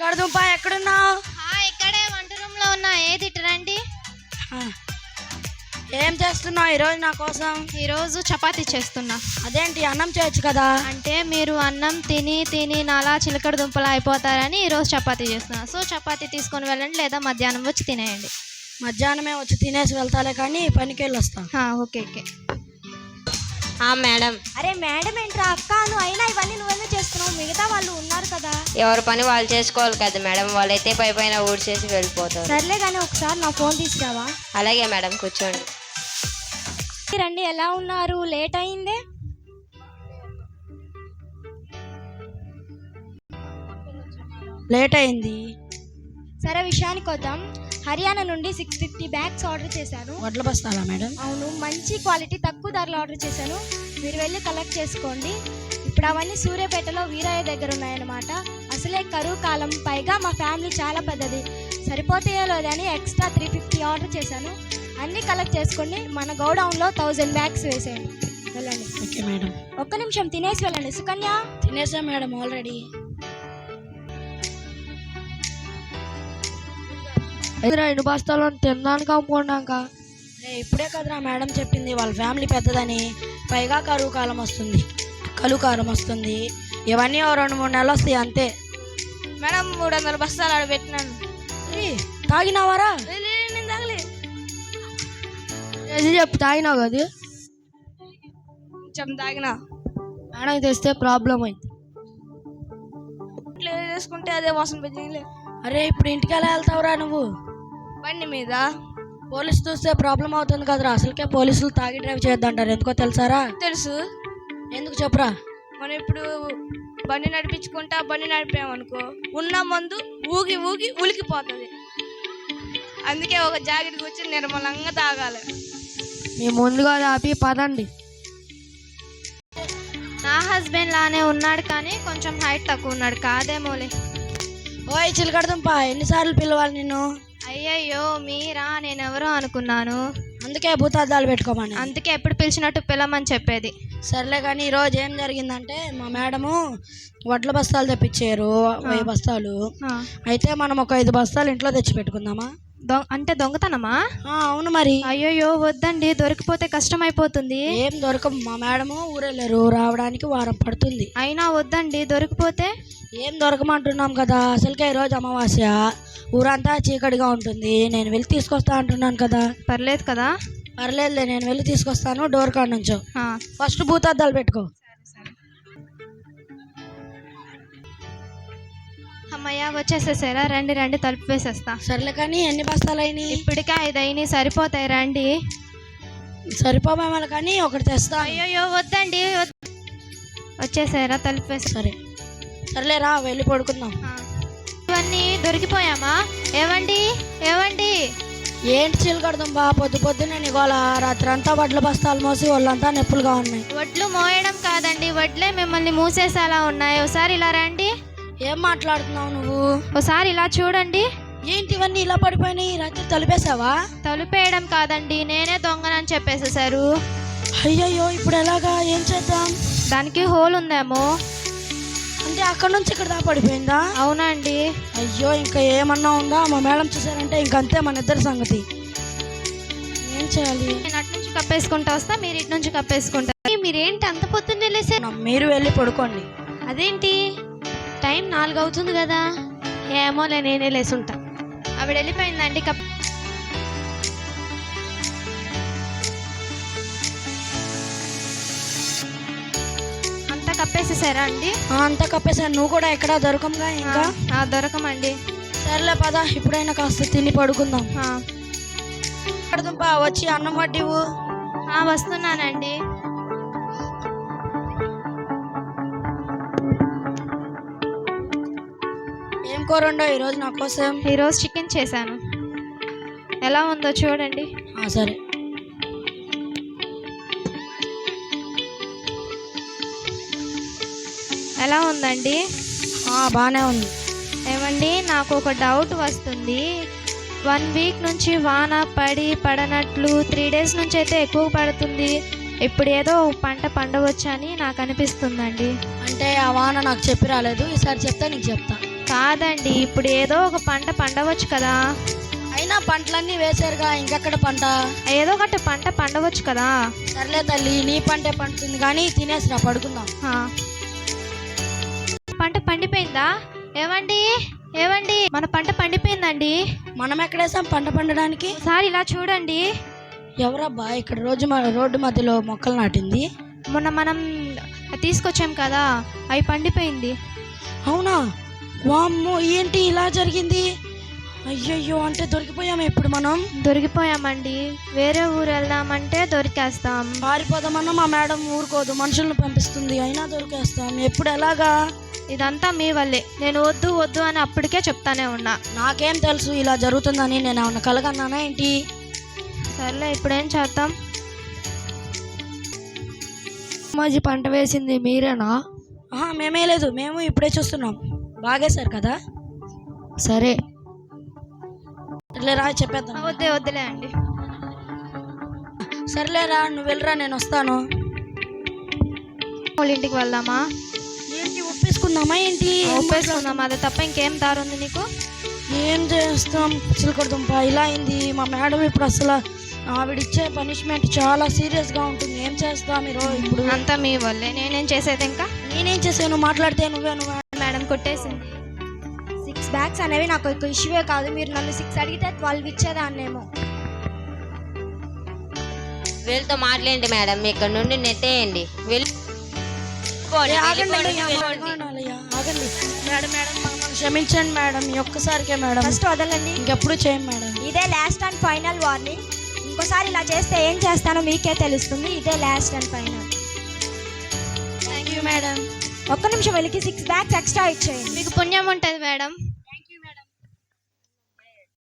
చిలకడదుంప ఎక్కడున్నావు? ఇక్కడే వంట రూమ్ లో ఉన్నా. ఏది రండి. ఏం చేస్తున్నావు ఈరోజు నా కోసం? ఈరోజు చపాతీ చేస్తున్నా. అదేంటి అన్నం చేయొచ్చు కదా? అంటే మీరు అన్నం తిని తిని నాలా చిలకడ దుంపలు అయిపోతారని ఈరోజు చపాతీ చేస్తున్నా. సో చపాతీ తీసుకొని వెళ్ళండి, లేదా మధ్యాహ్నం వచ్చి తినేయండి. మధ్యాహ్నమే వచ్చి తినేసి వెళ్తాలే కానీ పనికి వెళ్ళి వస్తా. Okay okay. మేడం. అరే మేడం ఏంట్రా అక్క, నువ్వు అయినా ఇవన్నీ నువ్వెందుకు చేస్తున్నావు? మిగతా వాళ్ళు ఉన్నారు కదా. ఎవరి పని వాళ్ళు చేసుకోవాలి కదా మేడం, వాళ్ళైతే పై పైన ఊడ్చేసి వెళ్ళిపోతారు. సర్లే కానీ ఒకసారి నా ఫోన్ తీసుకురావా? అలాగే మేడం, కూర్చోండి. రండి, ఎలా ఉన్నారు? లేట్ అయిందే. లేట్ అయింది. సరే విషయానికి వద్దాం. హర్యానా నుండి 650 బ్యాగ్స్ ఆర్డర్ చేశాను. వడ్ల బస్తాలా మేడం? అవును, మంచి క్వాలిటీ తక్కువ ధరలో ఆర్డర్ చేశాను. మీరు వెళ్ళి కలెక్ట్ చేసుకోండి. ఇప్పుడు అవన్నీ సూర్యాపేటలో వీరయ్య దగ్గర ఉన్నాయన్నమాట. అసలే కరువు కాలం, పైగా మా ఫ్యామిలీ చాలా పెద్దది, సరిపోతాయో లేదని ఎక్స్ట్రా 350 ఆర్డర్ చేశాను. అన్నీ కలెక్ట్ చేసుకోండి. మన గోడౌన్లో 1000 బ్యాగ్స్ వేసేయండి. వెళ్ళండి. Okay madam. ఒక్క నిమిషం తినేసి వెళ్ళండి. సుకన్య. తినేసా మేడం ఆల్రెడీ. ఎన్ని బస్తాలు తినడానికి అమ్ముకున్నాక? ఇప్పుడే కదరా మేడం చెప్పింది వాళ్ళ ఫ్యామిలీ పెద్దదని, పైగా కరువు కాలం వస్తుంది, కలుకారం వస్తుంది. ఇవన్నీ 2-3 నెలలు వస్తాయి అంతే. మేడం 300 బస్తాలు ఆడ పెట్టినాను. తాగినావారా? నేను తాగలే. చెప్పు, తాగినావు కదా? కొంచెం తాగినా. మేడం తెస్తే ప్రాబ్లం అయింది. ఇట్లా చేసుకుంటే అదే వాసన పెద్దలే. అరే ఇప్పుడు ఇంటికి ఎలా వెళ్తావురా నువ్వు? బండి మీద. పోలీసు చూస్తే ప్రాబ్లం అవుతుంది కదరా. అసలుకే పోలీసులు తాగి డ్రైవ్ చేయొద్దంటారు, ఎందుకో తెలుసారా? తెలుసు. ఎందుకు చెప్పురా? మనం ఇప్పుడు బండి నడిపించుకుంటా బండి నడిపామనుకో, ఉన్న మందు ఊగి ఊగి ఉలికిపోతుంది. అందుకే ఒక జాకెట్ కూర్చొని నిర్మలంగా తాగాలి. మేము ముందుగా ఆపి పదండి. నా హస్బెండ్ లానే ఉన్నాడు కానీ కొంచెం హైట్ తక్కువ ఉన్నాడు. కాదేమోలే. ఓయ్ చిలకడదుంప, ఎన్నిసార్లు పిలవాలి నిన్ను? అయ్యయ్యో మీరా, నేనెవరో అనుకున్నాను. అందుకే భూతార్థాలు పెట్టుకోమని. అందుకే ఎప్పుడు పిలిచినట్టు పిలమని చెప్పేది. సర్లే కానీ ఈరోజు ఏం జరిగిందంటే, మా మేడము వడ్ల బస్తాలు తెప్పించారు, 1000 బస్తాలు. అయితే మనం ఒక 5 బస్తాలు ఇంట్లో తెచ్చి పెట్టుకుందామా? అంటే దొంగతనమా? అవును మరి. అయ్యయ్యో వద్దండి, దొరికిపోతే కష్టం అయిపోతుంది. ఏం దొరకం, మా మేడము ఊరెళ్ళారు, రావడానికి వారం పడుతుంది. అయినా వద్దండి, దొరికిపోతే. ఏం దొరకమంటున్నాం కదా, అసలుకే ఈరోజు అమావాస్య, ఊరంతా చీకటిగా ఉంటుంది. నేను వెళ్ళి తీసుకొస్తా అంటున్నాను కదా. పర్లేదు కదా? పర్లేదులే, నేను వెళ్ళి తీసుకొస్తాను. డోర్ కాడ నుంచో ఫస్ట్ భూతార్థాలు పెట్టుకో. అమ్మయ్య వచ్చేసేసారా? రండి రండి, తలుపు వేసేస్తా. సర్లే కానీ ఎన్ని బస్తాలు అయినాయి? ఇప్పటికే 5 అయినాయి, సరిపోతాయి. రండి. సరిపోమేమో కానీ ఒకటి తెస్తా. అయ్యో వద్దండి. వచ్చేసారా? తలుపు వేసి. సర్లేరా, వెళ్ళి పడుకుందాం. ఇవన్నీ దొరికిపోయామా? ఏవండి ఏవండి? ఏంటి చిలకడదుంపా, పొద్దున్నే నీకోలా రాత్రి అంతా వడ్ల బస్తాలు మోసి వాళ్ళంతా నొప్పులుగా ఉన్నాయి. వడ్లు మోయడం కాదండి, వడ్లే మిమ్మల్ని మూసేసేలా ఉన్నాయి. ఒకసారి ఇలా రండి. ఏం మాట్లాడుతున్నావు నువ్వు? ఒకసారి ఇలా చూడండి. ఏంటి ఇవన్నీ ఇలా పడిపోయినాయి? రాత్రి తలుపేసావా? తలుపేయడం కాదండి, నేనే దొంగనని చెప్పేసేసారు. అయ్యయ్యో, ఇప్పుడు ఎలాగా? ఏం చేద్దాం? దానికి హోల్ ఉందేమో. అంటే అక్కడ నుంచి ఇక్కడ దాకా పడిపోయిందా? అవునండి. అయ్యో, ఇంకా ఏమన్నా ఉందా? మా మేడం చూసారంటే ఇంకంతే మన ఇద్దరి సంగతి. ఏం చేయాలి? నేను అటు నుంచి కప్పేసుకుంటా వస్తా, మీరు ఇటు నుంచి కప్పేసుకుంటా. మీరేంటి అంత పొద్దున్నే లేసారు? మీరు వెళ్ళి పడుకోండి. అదేంటి, టైం 4 అవుతుంది కదా. ఏమోలే, నేనే లేసుంటా. ఆవిడ వెళ్ళిపోయిందండి. అంతా కప్పేసేసారా అండి? అంతా కప్పేసాను. నువ్వు కూడా ఎక్కడా దొరకంగా? ఇంకా దొరకమండి. సర్లే పద, ఇప్పుడైనా కాస్త తిని పడుకుందాం. వచ్చి అన్నం వడ్డీవు. వస్తున్నానండి. ఏం కూర ఉండో ఈరోజు నా కోసం? ఈరోజు చికెన్ చేశాను. ఎలా ఉందో చూడండి. సరే. ఎలా ఉందండి? బాగానే ఉంది. ఏమండి, నాకు ఒక డౌట్ వస్తుంది. 1 వీక్ నుంచి వాన పడనట్లు 3 డేస్ నుంచి అయితే ఎక్కువ పడుతుంది. ఇప్పుడు ఏదో పంట పండవచ్చని నాకు అనిపిస్తుందండి. అంటే ఆ వాన నాకు చెప్పి రాలేదు, ఈసారి చెప్తా నీకు చెప్తా. కాదండి, ఇప్పుడు ఏదో ఒక పంట పండవచ్చు కదా. అయినా పంటలన్నీ వేసారుగా, ఇంకెక్కడ పంట? ఏదో ఒకటి పంట పండవచ్చు కదా. సర్లే తల్లి, నీ పంటే పండుతుంది కానీ తినేసిరా, పడుకుందాం. ఆ. పంట పండిపోయిందా? ఏవండి ఏవండి, మన పంట పండిపోయిందండి. మనం ఎక్కడేసాం పంట పండడానికి? సార్ ఇలా చూడండి. ఎవరబ్బా ఇక్కడ రోడ్డు మధ్యలో మొక్కలు నాటింది? మొన్న మనం తీసుకొచ్చాం కదా, అవి పండిపోయింది. అవునా? వామ్మో, ఏంటి ఇలా జరిగింది? అయ్యయ్యో, అంటే దొరికిపోయాం ఇప్పుడు మనం. దొరికిపోయామండి. వేరే ఊరు వెళ్దామంటే దొరికేస్తాం. పారిపోదామన్నా మా మేడం ఊరుకోదు, మనుషులను పంపిస్తుంది, అయినా దొరికేస్తాం. ఎప్పుడు ఎలాగా? ఇదంతా మీ వల్లే. నేను వద్దు వద్దు అని అప్పటికే చెప్తానే ఉన్నా. నాకేం తెలుసు ఇలా జరుగుతుందని? నేను ఏమన్నా కలగన్నానా ఏంటి? సర్లే, ఇప్పుడేం చేద్దాం? మాజీ పంట వేసింది మీరేనా? మేమే లేదు, మేము ఇప్పుడే చూస్తున్నాం. బాగేశారు కదా? సరే సర్లేరా, చెప్పేద్దాం. వద్దులే అండి. సర్లేరా, నువ్వు వెళ్ళరా, నేను వస్తాను. వాళ్ళ ఇంటికి వెళ్దామా? ఏంటి, ఒప్పేసుకుందామా ఏంటి? ఒప్పేసుకుందాం, అదే తప్ప ఇంకేం దారి ఉంది నీకు? ఏం చేస్తాం, చిలకడదుంప ఇలా అయింది. మా మేడం ఇప్పుడు అసలు ఆవిడిచ్చే పనిష్మెంట్ చాలా సీరియస్గా ఉంటుంది. ఏం చేస్తాం మీరు ఇప్పుడు? అంతా మీ వల్లే. నేనేం చేసేది ఇంకా? నేనేం చేసాను? మాట్లాడితే నువ్వే మేడం కొట్టేసింది. 6 బ్యాగ్స్ అనేవి నాకు ఒక ఇష్యూవే కాదు. మీరు నన్ను 6 అడిగితే 12 ఇచ్చేదాన్నేమో. వీళ్ళతో మాట్లాడండి మేడం, ఇక్కడ నుండి నెట్టేయండి. ఆగండి మేడం, మేడం మమ్మల్ని క్షమించండి మేడం, ఈ ఒక్కసారికే మేడం. ఫస్ట్ వదలండి, ఇంకెప్పుడు చేయం మేడం. ఇదే లాస్ట్ అండ్ ఫైనల్ వార్నింగ్. ఇంకోసారి ఇలా చేస్తే ఏం చేస్తానో మీకే తెలుస్తుంది. ఇదే last and final. Thank you madam. ఒక్క నిమిషం వెళ్ళి 6 బ్యాగ్స్ ఎక్స్ట్రా ఇచ్చేయండి. మీకు పుణ్యం ఉంటుంది మేడం.